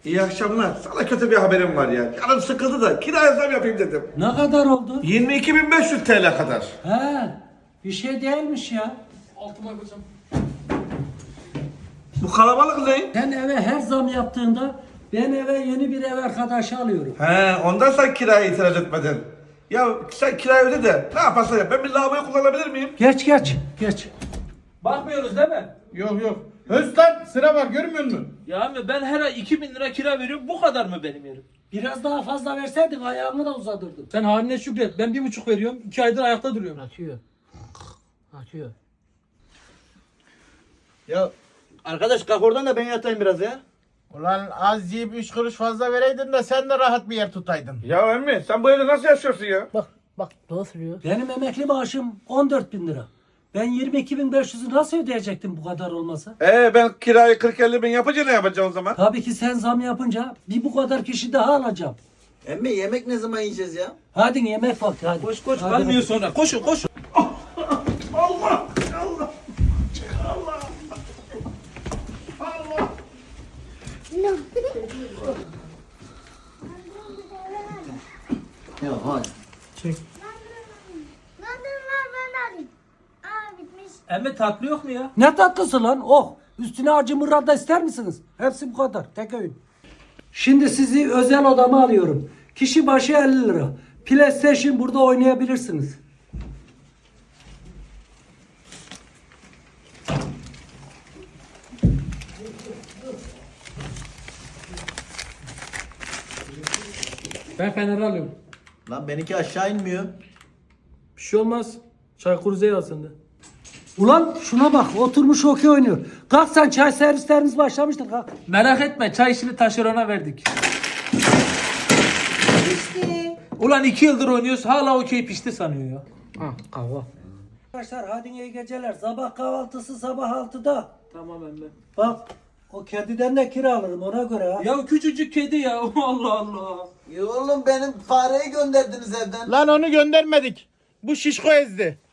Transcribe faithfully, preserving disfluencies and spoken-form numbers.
İyi akşamlar. Sana kötü bir haberim var ya. Canım sıkıldı da kiraya zam yapayım dedim. Ne kadar oldu? yirmi iki bin beş yüz T L kadar. He, bir şey değilmiş ya. Altıma yapacağım. Bu kalabalık ne? Sen eve her zam yaptığında ben eve yeni bir ev arkadaşı alıyorum. He, ondan sen kiraya itiraz etmedin. Ya sen kirayı öde de ne yaparsan yap. Ben bir lavaboyu kullanabilir miyim? Geç geç geç. Bakmıyoruz değil mi? Yok yok. Özkan sıra var görmüyor musun? Ya abi ben her ay iki bin lira kira veriyorum. Bu kadar mı benim yerim? Biraz daha fazla verseydin ayağımı da uzatırdım. Sen haline şükret. Ben bir buçuk veriyorum. iki aydır ayakta duruyorum. Atıyor. Atıyor. Ya arkadaş kalk oradan da ben yatayım biraz ya. Ulan az yiyip üç kuruş fazla vereydin de sen de rahat bir yer tutaydın. Ya emmi sen bu evde nasıl yaşıyorsun ya? Bak bak nasıl diyor? Benim emekli maaşım on dört bin lira. Ben yirmi iki bin beş yüzü nasıl ödeyecektim bu kadar olmasa? Ee ben kirayı kırk elli bin yapınca ne yapacağım o zaman? Tabii ki sen zam yapınca bir bu kadar kişi daha alacağım. Emmi yemek ne zaman yiyeceğiz ya? Hadi yemek vakti hadi. Koş koş Hadi kalmıyor hadi. sonra. Koşun koşun. Allah! Allah! Allah! Allah! Ya hadi. Zaten var ben alayım. Aa bitmiş. Emmi tatlı yok mu ya? Ne tatlısı lan? Oh! Üstüne acı mırra da ister misiniz? Hepsi bu kadar. Tek öğün. Şimdi sizi özel odama alıyorum. Kişi başı elli lira. PlayStation burada oynayabilirsiniz. Ben Fener'i alıyorum. Lan benimki aşağı inmiyor. Bir şey olmaz. Çaykur Rize'yi al sen de. Ulan şuna bak oturmuş okey oynuyor. Kalk sen çay servislerimiz başlamıştır kalk. Merak etme. Çay işini taşerona verdik. Ulan iki yıldır oynuyoruz hala okey pişti sanıyor ya. Ha kahve. Arkadaşlar hadi iyi geceler. Sabah kahvaltısı sabah altıda. Tamam emmi. Bak o kediden de kira alırım ona göre ha. Ya küçücük kedi ya. Allah Allah. Ya oğlum benim fareyi gönderdiniz evden. Lan onu göndermedik. Bu şişko ezdi.